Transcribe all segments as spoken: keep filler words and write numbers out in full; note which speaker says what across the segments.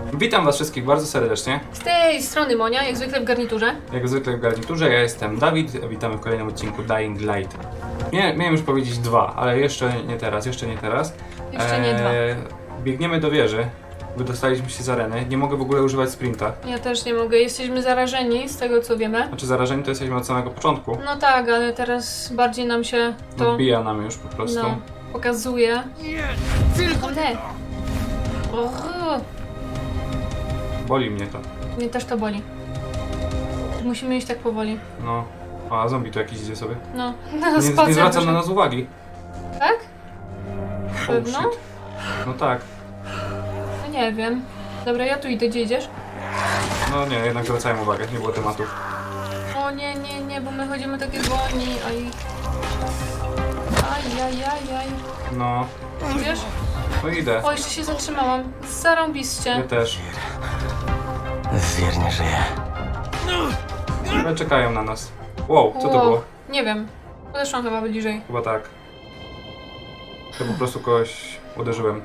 Speaker 1: Witam was wszystkich bardzo serdecznie.
Speaker 2: Z tej strony Monia, jak zwykle w garniturze.
Speaker 1: Jak zwykle w garniturze, ja jestem Dawid, witamy w kolejnym odcinku Dying Light. Nie, miałem już powiedzieć dwa, ale jeszcze nie teraz, jeszcze nie teraz.
Speaker 2: Jeszcze nie dwa.
Speaker 1: Biegniemy do wieży, wydostaliśmy się z areny, nie mogę w ogóle używać sprinta.
Speaker 2: Ja też nie mogę, jesteśmy zarażeni z tego co wiemy.
Speaker 1: Znaczy zarażeni to jesteśmy od samego początku.
Speaker 2: No tak, ale teraz bardziej nam się to
Speaker 1: Odbija nam już po prostu.
Speaker 2: no, pokazuje. Nie, tylko te. Och,
Speaker 1: Boli mnie to.
Speaker 2: mnie też to boli. Musimy iść tak powoli.
Speaker 1: No. A zombie tu jakiś idzie sobie.
Speaker 2: No,
Speaker 1: Nie, nie
Speaker 2: spacer
Speaker 1: zwraca na
Speaker 2: wyszedł.
Speaker 1: nas uwagi.
Speaker 2: Tak?
Speaker 1: Oh,
Speaker 2: Pewno?
Speaker 1: shit. No tak.
Speaker 2: No nie wiem. Dobra, ja tu idę, gdzie idziesz?
Speaker 1: No nie, jednak zwracałem uwagę, nie było tematów.
Speaker 2: O nie, nie, nie, bo my chodzimy takie wolni, aj. Aj, aj, aj, aj.
Speaker 1: No.
Speaker 2: Wiesz?
Speaker 1: No idę.
Speaker 2: O, jeszcze się zatrzymałam. Zarąbiście.
Speaker 1: Ja też.
Speaker 3: Zwier nie żyje.
Speaker 1: Ale czekają na nas. Wow, co to
Speaker 2: Wow,
Speaker 1: było?
Speaker 2: nie wiem. Podeszłam chyba bliżej.
Speaker 1: Chyba tak. To po prostu kogoś uderzyłem.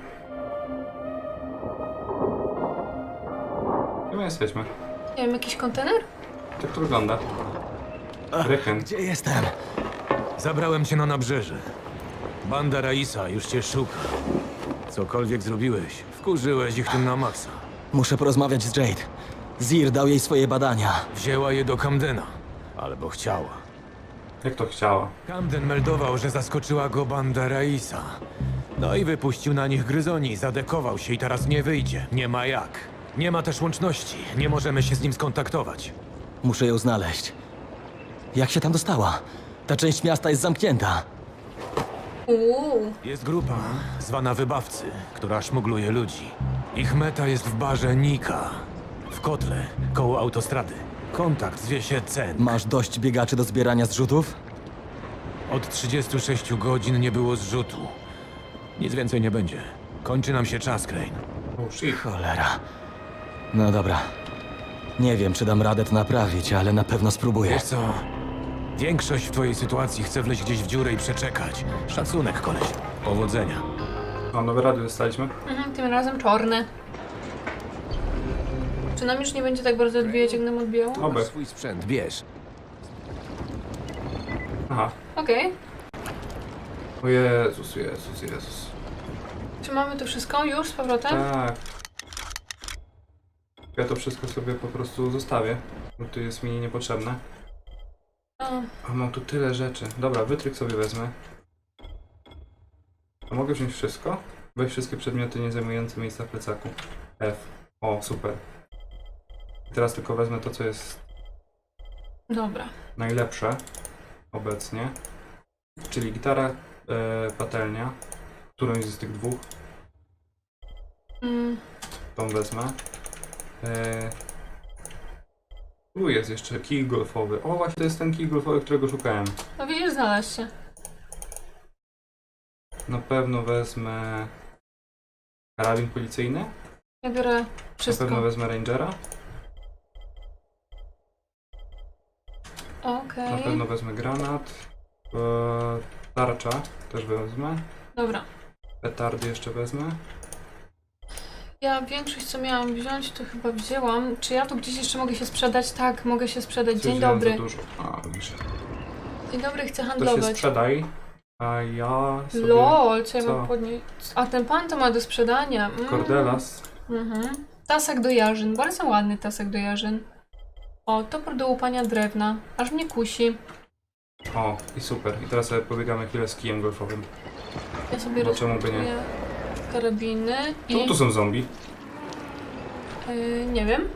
Speaker 1: Gdzie my jesteśmy?
Speaker 2: Nie wiem, jakiś kontener?
Speaker 1: Tak to wygląda. Ryken.
Speaker 3: Gdzie jestem?
Speaker 4: Zabrałem cię na nabrzeże. Banda Raisa już cię szuka. Cokolwiek zrobiłeś, wkurzyłeś ich tym na maksa.
Speaker 3: Muszę porozmawiać z Jade. Zir dał jej swoje badania.
Speaker 4: Wzięła je do Camdena. Albo chciała.
Speaker 1: Jak to chciała?
Speaker 4: Camden meldował, że zaskoczyła go banda Raisa. No i wypuścił na nich gryzoni, zadekował się i teraz nie wyjdzie. Nie ma jak. Nie ma też łączności. Nie możemy się z nim skontaktować.
Speaker 3: Muszę ją znaleźć. Jak się tam dostała? Ta część miasta jest zamknięta.
Speaker 2: Uuu.
Speaker 4: Jest grupa, zwana Wybawcy, która szmugluje ludzi. Ich meta jest w barze Nika. W kotle, koło autostrady. Kontakt zwie się Cen.
Speaker 3: Masz dość biegaczy do zbierania zrzutów?
Speaker 4: Od trzydziestu sześciu godzin nie było zrzutu. Nic więcej nie będzie. Kończy nam się czas, Crane.
Speaker 1: Oh shit.
Speaker 3: Cholera. No dobra. Nie wiem, czy dam radę to naprawić, ale na pewno spróbuję.
Speaker 4: Wiesz co? Większość w twojej sytuacji chce wleźć gdzieś w dziurę i przeczekać. Szacunek, koleś. Powodzenia.
Speaker 1: No, nowe radio dostaliśmy.
Speaker 2: Mhm, tym razem czarne. Czy nam już nie będzie tak bardzo odbijać, jak nam odbijało?
Speaker 1: Oby.
Speaker 4: swój sprzęt, bierz.
Speaker 1: Aha.
Speaker 2: Okej.
Speaker 1: O Jezus, Jezus, Jezus.
Speaker 2: Czy mamy to wszystko już z powrotem?
Speaker 1: Tak. Ja to wszystko sobie po prostu zostawię, bo to jest mi niepotrzebne.
Speaker 2: O,
Speaker 1: A mam tu tyle rzeczy. Dobra, wytryk sobie wezmę. A mogę wziąć wszystko? Weź wszystkie przedmioty nie zajmujące miejsca w plecaku. F. O, super. I teraz tylko wezmę to, co jest
Speaker 2: dobra.
Speaker 1: najlepsze obecnie. Czyli gitara, e, patelnia. Którąś z tych dwóch.
Speaker 2: Mm,
Speaker 1: Tą wezmę. E, tu jest jeszcze kij golfowy. O, właśnie to jest ten kij golfowy, którego szukałem.
Speaker 2: no widzisz, znalazł się.
Speaker 1: Na pewno wezmę karabin policyjny.
Speaker 2: Ja biorę
Speaker 1: Na
Speaker 2: wszystko.
Speaker 1: pewno wezmę rangera. Na
Speaker 2: Okej.
Speaker 1: pewno wezmę granat. E, tarcza też wezmę.
Speaker 2: Dobra.
Speaker 1: Petardy jeszcze wezmę.
Speaker 2: Ja większość, co miałam wziąć, to chyba wzięłam. Czy ja tu gdzieś jeszcze mogę się sprzedać? Tak, mogę się sprzedać. Dzień
Speaker 1: Wziąłem za
Speaker 2: dobry.
Speaker 1: dużo. A, widzisz.
Speaker 2: Dzień dobry, chcę
Speaker 1: To się
Speaker 2: handlować.
Speaker 1: sprzedaj. A ja sobie...
Speaker 2: Lol, co ja
Speaker 1: Co?
Speaker 2: mam podnieść? A ten pan to ma do sprzedania. Mm.
Speaker 1: Cordelas.
Speaker 2: Mhm. Tasek do jarzyn, bardzo ładny tasek do jarzyn. O, topór do łupania drewna, aż mnie kusi.
Speaker 1: O, i super. I teraz sobie pobiegamy chwilę z kijem golfowym.
Speaker 2: Ja sobie
Speaker 1: No czemu by nie?
Speaker 2: rozpakuję karabiny i...
Speaker 1: Czemu tu są zombie?
Speaker 2: Yy, nie wiem,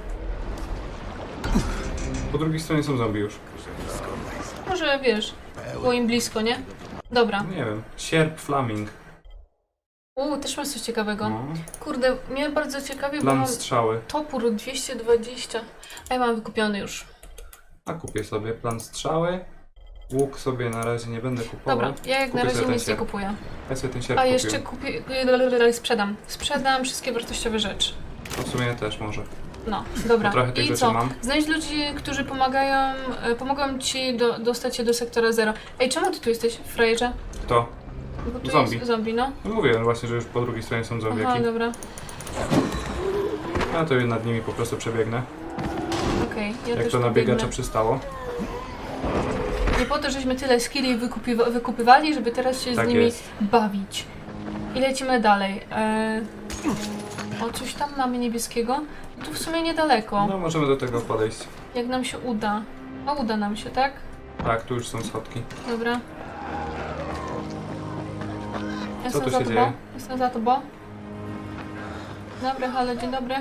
Speaker 1: Po drugiej stronie są zombie już.
Speaker 2: może wiesz, było im blisko, nie? Dobra.
Speaker 1: Nie wiem. Sierp Flaming.
Speaker 2: Uuu, też masz coś ciekawego.
Speaker 1: No.
Speaker 2: Kurde, mnie bardzo ciekawie, bo
Speaker 1: Plan
Speaker 2: mam
Speaker 1: strzały.
Speaker 2: topór dwieście dwadzieścia. A ja mam wykupiony już.
Speaker 1: A kupię sobie plan strzały. Łuk sobie na razie nie będę kupował.
Speaker 2: Dobra, ja jak
Speaker 1: Kupię
Speaker 2: na razie
Speaker 1: sobie ten
Speaker 2: nic nie
Speaker 1: sierp.
Speaker 2: kupuję.
Speaker 1: Ja sobie ten sierp
Speaker 2: A
Speaker 1: kupię.
Speaker 2: jeszcze kupię... Sprzedam. Sprzedam wszystkie wartościowe rzeczy.
Speaker 1: To w sumie też może.
Speaker 2: No, dobra.
Speaker 1: Trochę tych
Speaker 2: I
Speaker 1: rzeczy
Speaker 2: co?
Speaker 1: mam.
Speaker 2: Znajdź ludzi, którzy pomagają, e, pomogą ci do, dostać się do sektora zero. Ej, czemu ty tu jesteś, frajerze?
Speaker 1: Kto?
Speaker 2: Bo tu
Speaker 1: Zombie.
Speaker 2: jest zombie, no.
Speaker 1: No mówię właśnie, że już po drugiej stronie są
Speaker 2: Aha,
Speaker 1: zombiaki.
Speaker 2: dobra.
Speaker 1: Ja to nad nimi po prostu przebiegnę.
Speaker 2: Okej, ja
Speaker 1: Jak
Speaker 2: też
Speaker 1: to na
Speaker 2: pobiegnę.
Speaker 1: biegacza przystało.
Speaker 2: Nie po to, żeśmy tyle skilli wykupiwa- wykupywali, żeby teraz się
Speaker 1: Tak
Speaker 2: z nimi
Speaker 1: jest.
Speaker 2: bawić. I lecimy dalej. Eee... O, coś tam mamy niebieskiego. I tu w sumie niedaleko.
Speaker 1: No możemy do tego podejść.
Speaker 2: Jak nam się uda. A uda nam się, tak?
Speaker 1: Tak, tu już są schodki.
Speaker 2: Dobra. Jestem
Speaker 1: tu
Speaker 2: za
Speaker 1: się
Speaker 2: tobą.
Speaker 1: dzieje?
Speaker 2: Jestem za tobą. Dobry, halo, dzień dobry.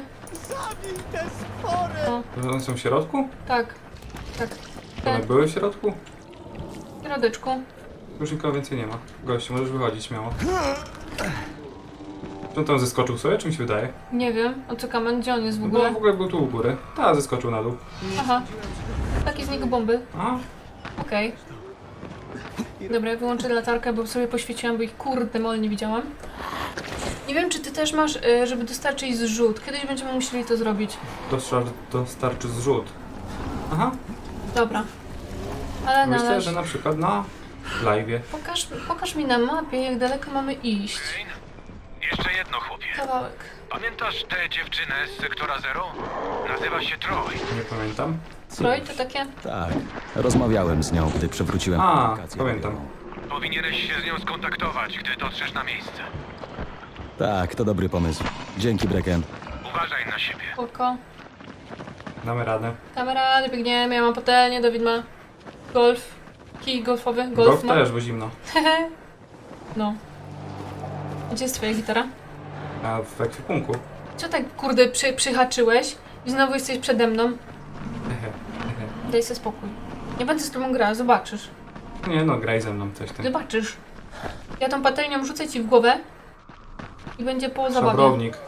Speaker 2: O,
Speaker 1: One są w środku?
Speaker 2: tak. Tak.
Speaker 1: One
Speaker 2: Ten,
Speaker 1: były w środku?
Speaker 2: w środeczku.
Speaker 1: Już nikogo więcej nie ma. Gościu, możesz wychodzić śmiało. Czy on tam zeskoczył sobie, czy mi się wydaje?
Speaker 2: Nie wiem, o co kamen, gdzie on jest w
Speaker 1: No
Speaker 2: ogóle?
Speaker 1: w ogóle był tu u góry. Tak, zeskoczył na dół.
Speaker 2: Aha. Takie z niego bomby.
Speaker 1: A,
Speaker 2: Okej. Dobra, ja wyłączę latarkę, bo sobie poświeciłam, bo ich kurde mol nie widziałam. Nie wiem, czy ty też masz, y, żeby dostarczyć zrzut. Kiedyś będziemy musieli to zrobić.
Speaker 1: dostar dostarczy zrzut. Aha,
Speaker 2: Dobra. Ale
Speaker 1: myślę,
Speaker 2: należ...
Speaker 1: że na przykład na live'ie.
Speaker 2: Pokaż, pokaż mi na mapie, jak daleko mamy iść.
Speaker 5: Crane? Jeszcze jedno, chłopie.
Speaker 2: Kawałek.
Speaker 5: Pamiętasz tę dziewczynę z sektora Zero? Nazywa się Troy.
Speaker 1: Nie pamiętam.
Speaker 2: Stroj to takie?
Speaker 3: Tak, rozmawiałem z nią, gdy przywróciłem
Speaker 1: A,
Speaker 3: komunikację.
Speaker 1: pamiętam.
Speaker 5: Powinieneś się z nią skontaktować, gdy dotrzesz na miejsce.
Speaker 3: Tak, to dobry pomysł. Dzięki, Brecken.
Speaker 5: Uważaj na siebie.
Speaker 2: Spoko.
Speaker 1: Damy radę.
Speaker 2: Kamera, nie biegniemy, ja mam patelnię, Dawid ma golf. Kij golfowy, golf,
Speaker 1: Golf
Speaker 2: ma.
Speaker 1: też, bo zimno.
Speaker 2: Hehe. No. Gdzie jest twoja gitara?
Speaker 1: A w ekwipunku.
Speaker 2: Co tak kurde przy, przyhaczyłeś i znowu jesteś przede mną?
Speaker 1: Hehe, hehe.
Speaker 2: Daj sobie spokój. Nie będę z tobą grała, zobaczysz.
Speaker 1: Nie no, graj ze mną coś tam.
Speaker 2: Zobaczysz. Ja tą patelnią rzucę ci w głowę i będzie po zabawie.
Speaker 1: Szabrownik.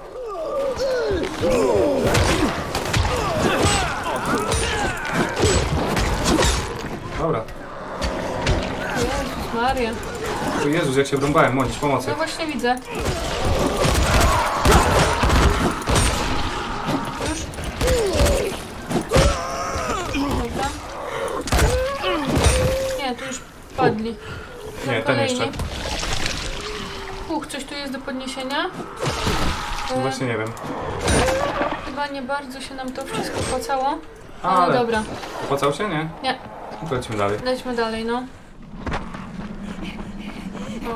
Speaker 1: Dobra.
Speaker 2: Jezus Maria.
Speaker 1: O Jezus, jak się wrąbałem, mądź, pomocy.
Speaker 2: No właśnie widzę. Już? Dobra. Nie, tu już padli. No,
Speaker 1: Nie, ten
Speaker 2: kolejni.
Speaker 1: jeszcze.
Speaker 2: Uch, coś tu jest do podniesienia?
Speaker 1: No
Speaker 2: E,
Speaker 1: właśnie nie wiem.
Speaker 2: Chyba nie bardzo się nam to wszystko opłacało. Ale,
Speaker 1: Ale
Speaker 2: dobra.
Speaker 1: opłacał się, nie?
Speaker 2: Nie,
Speaker 1: No to lecimy dalej.
Speaker 2: lećmy dalej, no. O.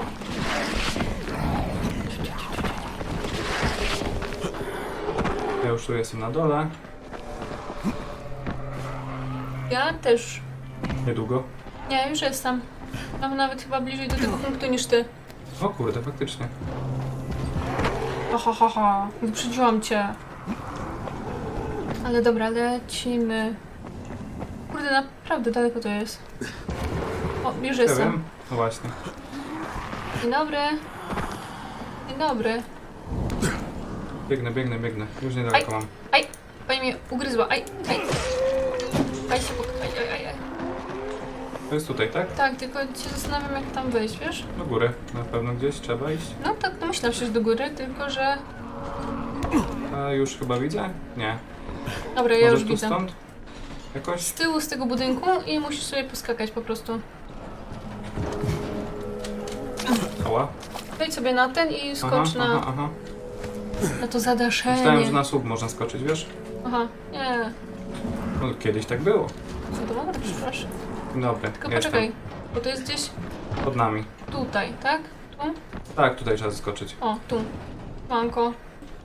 Speaker 1: Ja już tu jestem na dole.
Speaker 2: Ja też.
Speaker 1: Niedługo.
Speaker 2: Nie, już jestem. Mam nawet chyba bliżej do tego punktu niż ty.
Speaker 1: O kurde, faktycznie.
Speaker 2: Ha, ha, ha, ha. Wyprzedziłam cię. Ale dobra, lecimy. Kurde, naprawdę daleko to jest. O, już
Speaker 1: Ja
Speaker 2: jestem.
Speaker 1: wiem. No właśnie.
Speaker 2: Dzień dobry. Dzień dobry.
Speaker 1: Biegnę, biegnę, biegnę. Już niedaleko mam.
Speaker 2: Aj, pani mnie ugryzła. Aj, aj. Aj się pok... Aj, aj, aj, aj.
Speaker 1: To jest tutaj, tak?
Speaker 2: Tak, tylko się zastanawiam, jak tam wejść, wiesz?
Speaker 1: Do góry. Na pewno gdzieś trzeba iść.
Speaker 2: No tak, no myślałam, że do góry, tylko że...
Speaker 1: A już chyba widzę? Nie.
Speaker 2: Dobra, ja
Speaker 1: Może
Speaker 2: już
Speaker 1: tu
Speaker 2: widzę.
Speaker 1: stąd? Jakoś?
Speaker 2: Z tyłu z tego budynku i musisz sobie poskakać po prostu.
Speaker 1: Ała.
Speaker 2: Wejdź sobie na ten i skocz
Speaker 1: Aha,
Speaker 2: na,
Speaker 1: aha, aha.
Speaker 2: na to zadaszenie.
Speaker 1: Myślałem, że na słup można skoczyć, wiesz?
Speaker 2: Aha, nie.
Speaker 1: No, kiedyś tak było.
Speaker 2: Co to mogę, przepraszam.
Speaker 1: Dobry,
Speaker 2: Tylko
Speaker 1: jestem.
Speaker 2: poczekaj, bo to jest gdzieś
Speaker 1: Pod nami.
Speaker 2: tutaj, tak? Tu?
Speaker 1: Tak, tutaj trzeba zeskoczyć.
Speaker 2: O, tu. Manko.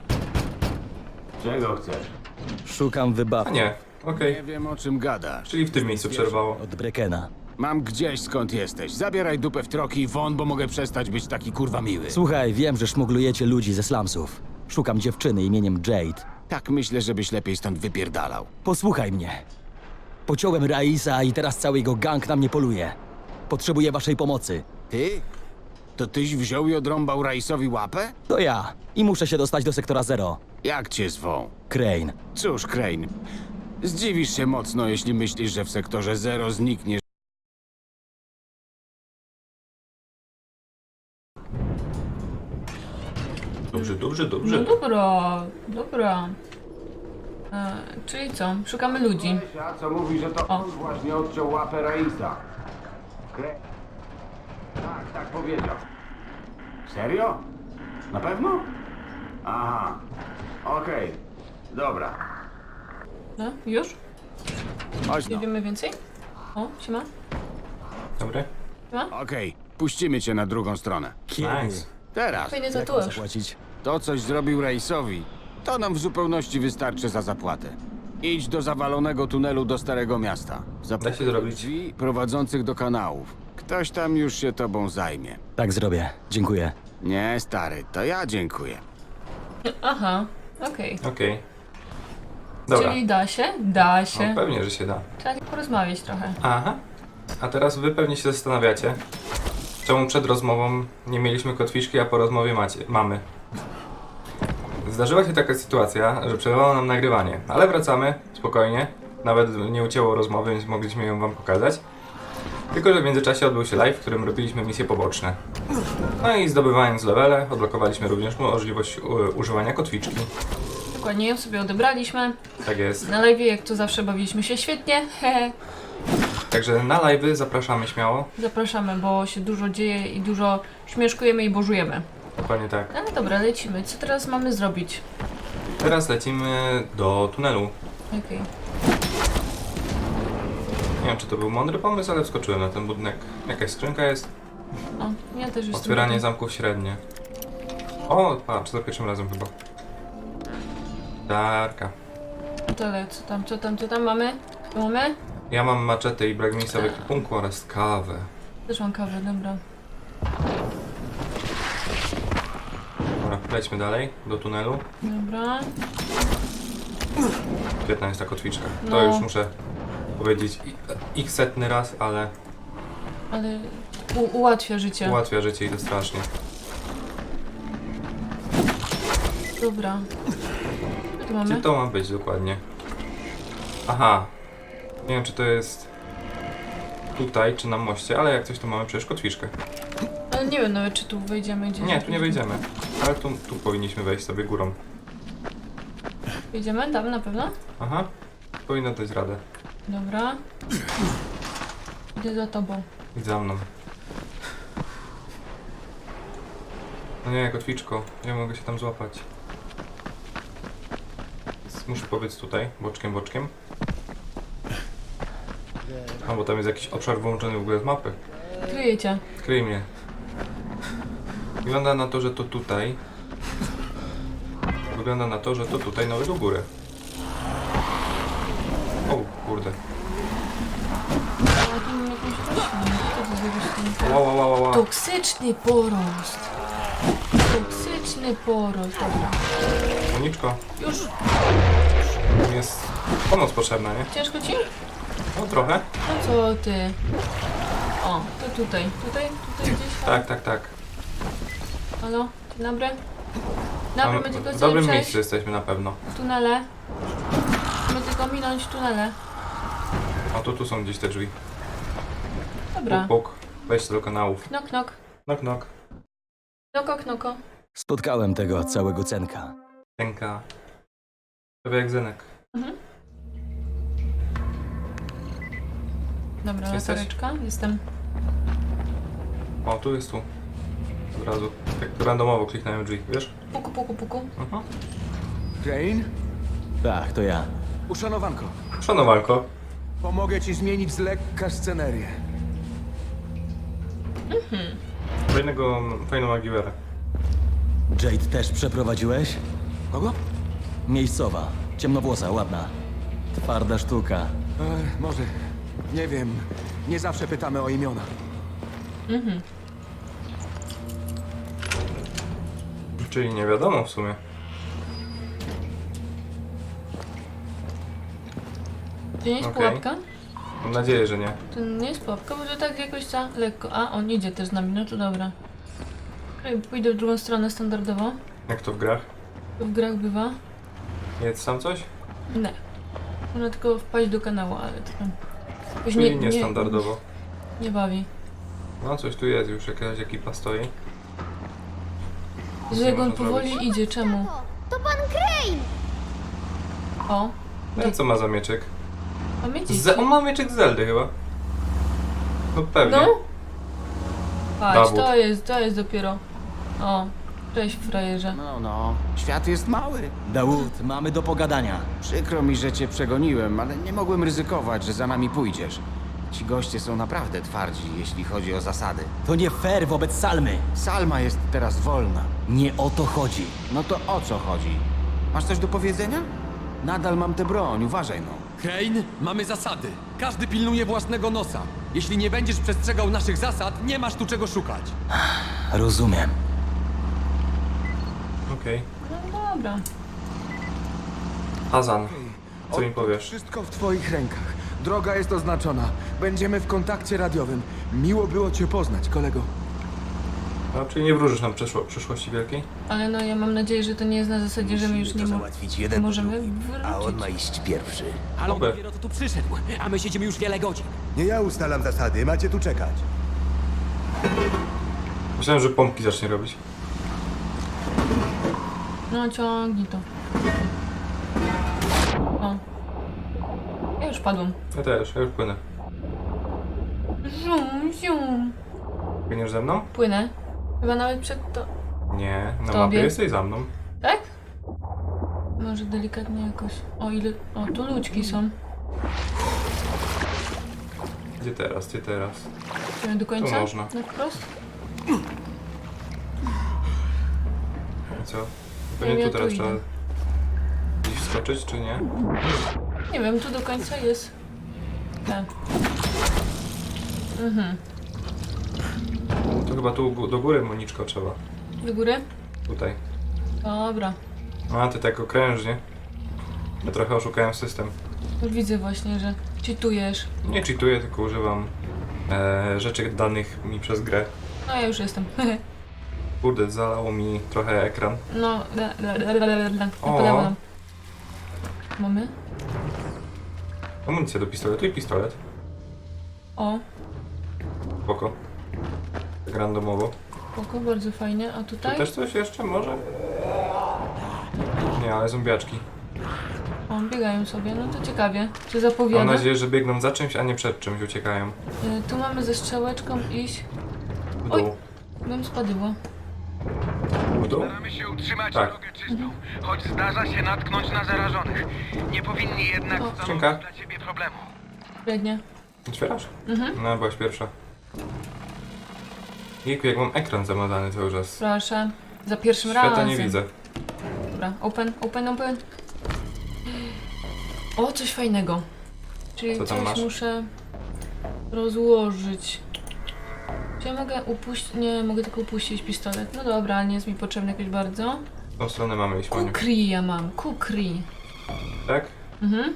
Speaker 6: Czego chcesz?
Speaker 3: Szukam
Speaker 1: A
Speaker 3: wybawki
Speaker 1: nie, okej.
Speaker 6: Nie wiem, o czym gadasz.
Speaker 1: Czyli w tym miejscu przerwało.
Speaker 3: od Breckena.
Speaker 6: Mam gdzieś, skąd jesteś. Zabieraj dupę w troki i won, bo mogę przestać być taki kurwa miły.
Speaker 3: Słuchaj, wiem, że szmuglujecie ludzi ze slumsów. Szukam dziewczyny imieniem Jade.
Speaker 6: Tak myślę, żebyś lepiej stąd wypierdalał.
Speaker 3: Posłuchaj mnie. Pociąłem Raisa i teraz cały jego gang na mnie poluje. Potrzebuję waszej pomocy.
Speaker 6: Ty? To tyś wziął i odrąbał Raisowi łapę?
Speaker 3: To ja. I muszę się dostać do sektora Zero.
Speaker 6: Jak cię zwą?
Speaker 3: Crane.
Speaker 6: Cóż, Crane, zdziwisz się mocno, jeśli myślisz, że w sektorze Zero znikniesz.
Speaker 1: Dobrze, dobrze,
Speaker 2: No
Speaker 1: dobrze.
Speaker 2: dobra, dobra. E, czyli co? Szukamy ludzi.
Speaker 7: A co mówi, że to
Speaker 2: O.
Speaker 7: on właśnie odciął łapę Raisa. Kre... Tak, tak powiedział. Serio? Na pewno? Aha. Okej. Dobra.
Speaker 2: No, już?
Speaker 6: Chodź
Speaker 2: Nie
Speaker 6: no.
Speaker 2: wiemy więcej? O, siema.
Speaker 1: Dobry?
Speaker 6: Okej, puścimy cię na drugą stronę.
Speaker 1: Nice.
Speaker 6: Teraz.
Speaker 2: Fajny
Speaker 3: Jak mam
Speaker 2: tatuaż.
Speaker 3: zapłacić?
Speaker 6: To coś zrobił Reisowi. To nam w zupełności wystarczy za zapłatę. Idź do zawalonego tunelu do Starego Miasta.
Speaker 1: Da się zrobić.
Speaker 6: Drzwi prowadzących do kanałów. Ktoś tam już się tobą zajmie.
Speaker 3: Tak zrobię. Dziękuję.
Speaker 6: Nie, stary, to ja dziękuję.
Speaker 2: Aha, okej.
Speaker 1: Okej. Dobra.
Speaker 2: Czyli da się? Da się.
Speaker 1: No, pewnie, że się da.
Speaker 2: Trzeba porozmawiać trochę.
Speaker 1: Aha. A teraz wy pewnie się zastanawiacie, czemu przed rozmową nie mieliśmy kotwiczki, a po rozmowie macie, mamy. Zdarzyła się taka sytuacja, że przerwało nam nagrywanie, ale wracamy, spokojnie. Nawet nie ucięło rozmowy, więc mogliśmy ją wam pokazać. Tylko że w międzyczasie odbył się live, w którym robiliśmy misje poboczne. No i zdobywając levele, odblokowaliśmy również możliwość u- używania kotwiczki.
Speaker 2: Dokładnie ją sobie odebraliśmy.
Speaker 1: Tak jest.
Speaker 2: Na live, jak to zawsze, bawiliśmy się świetnie. Hehe.
Speaker 1: Także na live'y zapraszamy śmiało.
Speaker 2: Zapraszamy, bo się dużo dzieje i dużo śmieszkujemy i bożujemy.
Speaker 1: Dokładnie tak.
Speaker 2: Ale dobra, lecimy. Co teraz mamy zrobić?
Speaker 1: Teraz lecimy do tunelu.
Speaker 2: Okej.
Speaker 1: Nie wiem, czy to był mądry pomysł, ale wskoczyłem na ten budynek. Jakaś skrzynka jest.
Speaker 2: O, ja też jestem.
Speaker 1: Otwieranie
Speaker 2: tutaj.
Speaker 1: zamków średnie. O, patrz, za pierwszym razem chyba. Darka.
Speaker 2: Tyle, co tam, co tam, co tam mamy? Co mamy?
Speaker 1: Ja mam maczetę i bragmisa w ekwipunku oraz kawę.
Speaker 2: Też mam kawę, dobra.
Speaker 1: Dobra, lećmy dalej, do tunelu.
Speaker 2: Dobra.
Speaker 1: Świetna jest ta kotwiczka. To
Speaker 2: No.
Speaker 1: już muszę powiedzieć i- ich setny raz, ale
Speaker 2: Ale u- ułatwia życie.
Speaker 1: ułatwia życie i to strasznie.
Speaker 2: Dobra. Co tu mamy?
Speaker 1: Gdzie to ma być dokładnie? Aha. Nie wiem, czy to jest tutaj, czy na moście, ale jak coś to mamy przecież kotwiczkę.
Speaker 2: Ale nie wiem nawet, czy tu wejdziemy gdzieś.
Speaker 1: Nie, tu nie wejdziemy. Ale tu, tu powinniśmy wejść sobie górą.
Speaker 2: Wejdziemy? Tam na pewno?
Speaker 1: Aha. Powinno dać radę.
Speaker 2: Dobra. Idę za tobą.
Speaker 1: Idź za mną. No nie, kotwiczko. Nie mogę się tam złapać. Więc muszę powiedz tutaj, boczkiem, boczkiem. A, bo tam jest jakiś obszar wyłączony w ogóle z mapy.
Speaker 2: Kryję cię.
Speaker 1: Kryj mnie. Wygląda na to, że to tutaj. Wygląda na to, że to tutaj nawet do góry. O, kurde.
Speaker 2: A tu mam jakąś roślinę. Co to za roślinka?
Speaker 1: Ła, ła, ła, ła, ła.
Speaker 2: Toksyczny porost. Toksyczny porost. Dobra.
Speaker 1: Moniczko,
Speaker 2: Już.
Speaker 1: mi jest pomoc potrzebna, nie?
Speaker 2: Ciężko ci?
Speaker 1: No trochę.
Speaker 2: No co ty? O, to tutaj. Tutaj? Tutaj gdzieś?
Speaker 1: Tak, tak, tak.
Speaker 2: Halo? Dzień dobry. Dobry,
Speaker 1: Tam
Speaker 2: my tylko
Speaker 1: w
Speaker 2: chcemy
Speaker 1: dobrym
Speaker 2: przejść
Speaker 1: miejscu jesteśmy na pewno.
Speaker 2: tunele. My tylko minąć tunele.
Speaker 1: A to tu są gdzieś te drzwi.
Speaker 2: Dobra.
Speaker 1: Puk, puk. Wejście do kanałów.
Speaker 2: Knok, knok.
Speaker 1: Knock, knock.
Speaker 2: Knoko, knoko.
Speaker 3: Spotkałem tego całego cenka.
Speaker 1: Tenka. Prawie jak Zenek.
Speaker 2: Mhm. Dobra,
Speaker 1: Jesteś?
Speaker 2: latareczka. Jestem.
Speaker 1: O, tu jest tu. Od razu. Tak randomowo kliknąłem drzwi, wiesz?
Speaker 2: Puku, puku, puku.
Speaker 1: Mhm.
Speaker 8: Jane?
Speaker 3: Tak, to ja.
Speaker 8: Uszanowanko,
Speaker 1: Szanowanko.
Speaker 8: pomogę ci zmienić z lekka scenerię.
Speaker 1: Fajnego, fajną Aguilera.
Speaker 3: Jade też przeprowadziłeś?
Speaker 8: Kogo?
Speaker 3: Miejscowa. Ciemnowłosa, ładna. Twarda sztuka.
Speaker 8: E, może. Nie wiem. Nie zawsze pytamy o imiona.
Speaker 1: Czyli nie wiadomo w sumie.
Speaker 2: To nie jest
Speaker 1: Okej.
Speaker 2: pułapka?
Speaker 1: Mam nadzieję, że nie.
Speaker 2: To nie jest pułapka, bo to tak jakoś za lekko. A, on idzie też z nami, no to dobra. Okej, pójdę w drugą stronę standardowo.
Speaker 1: Jak to w grach?
Speaker 2: To w grach bywa.
Speaker 1: Jest tam coś?
Speaker 2: Nie. Można tylko wpaść do kanału, ale to tam... jakoś
Speaker 1: Czyli niestandardowo.
Speaker 2: Nie, nie bawi.
Speaker 1: No coś tu jest, już jakaś ekipa stoi.
Speaker 2: Że jak on
Speaker 1: można
Speaker 2: powoli
Speaker 1: zrobić.
Speaker 2: idzie, czemu?
Speaker 9: To pan Crane!
Speaker 2: O,
Speaker 1: No co ma za mieczyk?
Speaker 2: pamięci.
Speaker 1: Z on ma mieczyk z Zeldy chyba. No pewnie.
Speaker 2: No. Patrz,
Speaker 1: Dowód.
Speaker 2: to jest, to jest dopiero. O, Cześć, frajerze.
Speaker 6: No, no, świat jest mały.
Speaker 3: Dawud, mamy do pogadania.
Speaker 6: Przykro mi, że cię przegoniłem, ale nie mogłem ryzykować, że za nami pójdziesz. Ci goście są naprawdę twardzi, jeśli chodzi o zasady.
Speaker 3: To nie fair wobec Salmy.
Speaker 6: Salma jest teraz wolna.
Speaker 3: Nie o to chodzi.
Speaker 6: No to o co chodzi? Masz coś do powiedzenia? Nadal mam tę broń, uważaj no.
Speaker 9: Crane, mamy zasady. Każdy pilnuje własnego nosa. Jeśli nie będziesz przestrzegał naszych zasad, nie masz tu czego szukać.
Speaker 3: Rozumiem.
Speaker 1: Okej.
Speaker 2: No dobra.
Speaker 1: Hazan, co mi powiesz?
Speaker 8: Wszystko w twoich rękach. Droga jest oznaczona. Będziemy w kontakcie radiowym. Miło było cię poznać, kolego.
Speaker 1: No, czyli nie wróżysz nam przyszło, przyszłości wielkiej?
Speaker 2: Ale no ja mam nadzieję, że to nie jest na zasadzie, że my już nie mo- możemy wrócić.
Speaker 3: iść pierwszy.
Speaker 9: Ale on
Speaker 1: Oby.
Speaker 9: dopiero tu przyszedł, a my siedzimy już wiele godzin.
Speaker 10: Nie ja ustalam zasady, macie tu czekać.
Speaker 1: Myślałem, że pompki zacznie robić.
Speaker 2: No ciągnij to. O. Ja już padłam.
Speaker 1: Ja też, ja już płynę.
Speaker 2: Zium, zium.
Speaker 1: Płyniesz ze mną?
Speaker 2: Płynę. Chyba nawet przed to...
Speaker 1: Nie, na
Speaker 2: Tobie?
Speaker 1: mapie jesteś za mną.
Speaker 2: Tak? Może delikatnie jakoś. O ile... O, tu ludźki są.
Speaker 1: Gdzie teraz, gdzie teraz?
Speaker 2: Idziemy do końca?
Speaker 1: Tu można.
Speaker 2: Na wprost?
Speaker 1: I co?
Speaker 2: Nie
Speaker 1: Pewnie
Speaker 2: wiem,
Speaker 1: tu
Speaker 2: ja
Speaker 1: teraz
Speaker 2: tu
Speaker 1: trzeba
Speaker 2: idę.
Speaker 1: gdzieś wskoczyć, czy nie?
Speaker 2: Nie wiem, tu do końca jest. Tak. Mhm.
Speaker 1: To chyba tu gó- do góry, Moniczko, trzeba.
Speaker 2: Do góry?
Speaker 1: Tutaj.
Speaker 2: Dobra.
Speaker 1: A, ty tak okrężnie. Ja trochę oszukałem system.
Speaker 2: Już widzę właśnie, że cheatujesz.
Speaker 1: Nie cheatuję, tylko używam e, rzeczy danych mi przez grę.
Speaker 2: No ja już jestem.
Speaker 1: Kurde, zalało mi trochę ekran.
Speaker 2: No, da, da, da, da, da, da.
Speaker 1: O.
Speaker 2: Podałam nam. Mamy?
Speaker 1: Amunicja do pistoletu i pistolet.
Speaker 2: O,
Speaker 1: Spoko. Tak randomowo.
Speaker 2: spoko, bardzo fajnie. A
Speaker 1: Tu
Speaker 2: tutaj?
Speaker 1: też coś jeszcze może? Nie, ale zombiaczki.
Speaker 2: O, biegają sobie, no to ciekawie. Czy
Speaker 1: Mam
Speaker 2: zapowiada?
Speaker 1: nadzieję, że biegną za czymś, a nie przed czymś uciekają.
Speaker 2: Y, tu mamy ze strzałeczką iść.
Speaker 1: W
Speaker 2: Oj.
Speaker 1: dół.
Speaker 2: Bym spadła.
Speaker 1: W dół?
Speaker 5: Staramy się utrzymać
Speaker 1: Tak.
Speaker 5: drogę czystą, choć zdarza się natknąć na zarażonych. Nie powinni jednak
Speaker 2: O.
Speaker 5: stanowić
Speaker 1: Skrzynka.
Speaker 5: dla ciebie problemu.
Speaker 2: Średnie.
Speaker 1: Otwierasz?
Speaker 2: Mhm.
Speaker 1: No, byłaś pierwsza. Jejku, jak mam ekran zamazany cały czas.
Speaker 2: Proszę. Za pierwszym
Speaker 1: Świata
Speaker 2: razem.
Speaker 1: nie widzę.
Speaker 2: Dobra, open, open, open. O, coś fajnego. Czyli
Speaker 1: Co tam
Speaker 2: coś
Speaker 1: masz?
Speaker 2: muszę rozłożyć. Czy ja mogę upuścić? Nie, mogę tylko upuścić pistolet. No dobra, ale nie jest mi potrzebny jakoś bardzo.
Speaker 1: W tą stronę mamy iść, Maniu.
Speaker 2: Kukri ja mam, kukri.
Speaker 1: Tak?
Speaker 2: Mhm.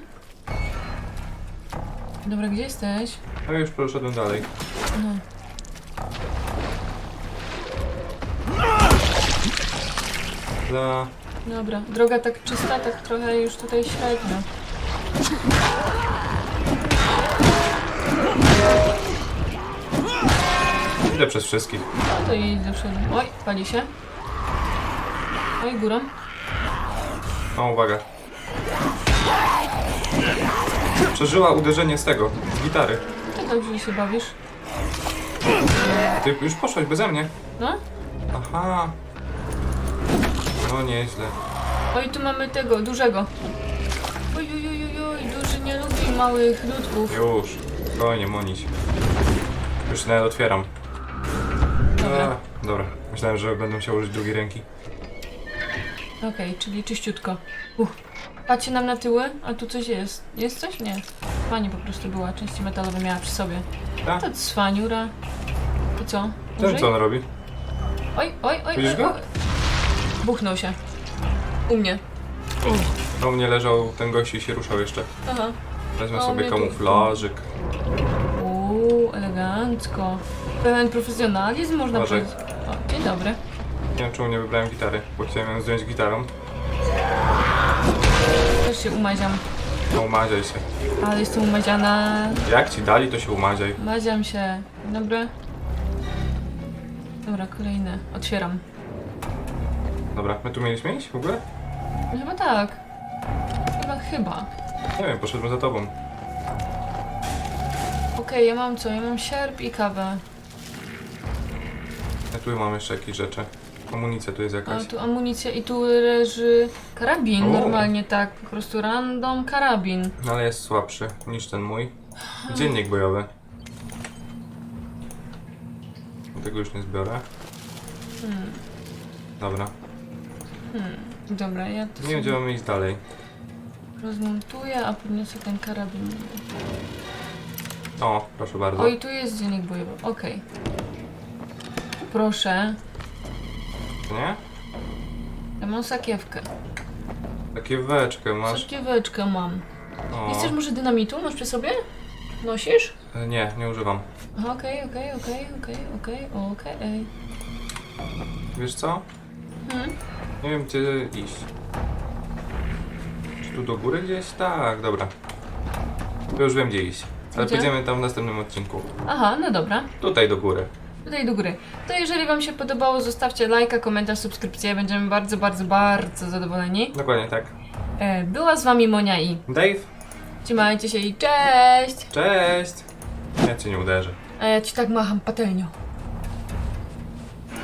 Speaker 2: Dobra, gdzie jesteś?
Speaker 1: No już poszedłem dalej.
Speaker 2: No.
Speaker 1: Za...
Speaker 2: Dobra, droga tak czysta, tak trochę już tutaj średnio.
Speaker 1: Idę przez wszystkich.
Speaker 2: No to idź do przodu. Oj, pali się. Oj, górą.
Speaker 1: O, uwaga. Przeżyła uderzenie z tego, z gitary.
Speaker 2: Tak dobrze się bawisz.
Speaker 1: Ty już poszłaś beze mnie.
Speaker 2: No?
Speaker 1: Aha. No nieźle.
Speaker 2: Oj, tu mamy tego, dużego. Oj, oj, oj, oj, oj, duży nie lubi małych ludków.
Speaker 1: Już. Spokojnie, Monić. Już się nawet otwieram.
Speaker 2: Dobra.
Speaker 1: A, dobra. Myślałem, że będę musiał użyć drugiej ręki.
Speaker 2: Okej, czyli czyściutko. Uch. Patrzcie nam na tyły, a tu coś jest. Jest coś? Nie. Pani po prostu była, części metalowe miała przy sobie.
Speaker 1: Tak?
Speaker 2: To cwaniura. I co?
Speaker 1: Ten
Speaker 2: Użyj?
Speaker 1: co on robi?
Speaker 2: Oj, oj, oj,
Speaker 1: Widzisz
Speaker 2: oj,
Speaker 1: go?
Speaker 2: oj. Buchnął się. U mnie.
Speaker 1: No u mnie leżał ten gość i się ruszał jeszcze.
Speaker 2: Aha.
Speaker 1: Wezmę
Speaker 2: O,
Speaker 1: sobie
Speaker 2: mnie tu-
Speaker 1: kamuflażyk.
Speaker 2: Uuu, elegancko. Pełen profesjonalizm, można
Speaker 1: Uważaj.
Speaker 2: powiedzieć. O, dzień dobry.
Speaker 1: Nie wiem czemu nie wybrałem gitary, bo chciałem ją zdjąć gitarą.
Speaker 2: Też się umaziam.
Speaker 1: No umaziaj się.
Speaker 2: Ale jestem umaziana.
Speaker 1: Jak ci dali, to się umaziaj.
Speaker 2: Maziam się. Dzień dobry. Dobra, kolejne. Otwieram.
Speaker 1: Dobra, my tu mieliśmy iść w ogóle?
Speaker 2: No chyba tak. Chyba, chyba.
Speaker 1: Nie wiem, poszedłem za tobą.
Speaker 2: Okej, ja mam co? Ja mam sierp i kawę.
Speaker 1: Ja tu mam jeszcze jakieś rzeczy. Amunicja tu jest
Speaker 2: A
Speaker 1: jakaś.
Speaker 2: tu amunicja i tu leży karabin,
Speaker 1: O.
Speaker 2: normalnie tak, po prostu random karabin.
Speaker 1: No ale jest słabszy niż ten mój. Dziennik bojowy. Tego już nie zbiorę. Dobra.
Speaker 2: Dobra, ja to
Speaker 1: Nie wiem, gdzie
Speaker 2: sobie
Speaker 1: mamy iść dalej.
Speaker 2: rozmontuję, a podniosę ten karabin.
Speaker 1: O, proszę bardzo.
Speaker 2: O, i tu jest dziennik bojowy, okej. Proszę,
Speaker 1: Nie?
Speaker 2: ja mam sakiewkę.
Speaker 1: Sakieweczkę masz.
Speaker 2: Sakieweczkę mam.
Speaker 1: O.
Speaker 2: Nie chcesz może dynamitu? Masz przy sobie? Nosisz?
Speaker 1: E, Nie, nie używam.
Speaker 2: Aha, Okej, okej, okej, okej, okej, okej.
Speaker 1: Wiesz co?
Speaker 2: Hmm?
Speaker 1: Nie wiem, gdzie iść. Czy tu do góry gdzieś? Tak, dobra. To już wiem, gdzie iść. Ale
Speaker 2: Gdzie?
Speaker 1: pójdziemy tam w następnym odcinku.
Speaker 2: Aha, no dobra.
Speaker 1: Tutaj do góry.
Speaker 2: Tutaj do góry. To jeżeli wam się podobało, zostawcie lajka, komentarz, subskrypcję. Będziemy bardzo, bardzo, bardzo zadowoleni.
Speaker 1: Dokładnie tak.
Speaker 2: E, była z wami Monia i
Speaker 1: Dave,
Speaker 2: trzymajcie się i cześć!
Speaker 1: cześć! Ja cię nie uderzę.
Speaker 2: A ja ci tak macham patelnią.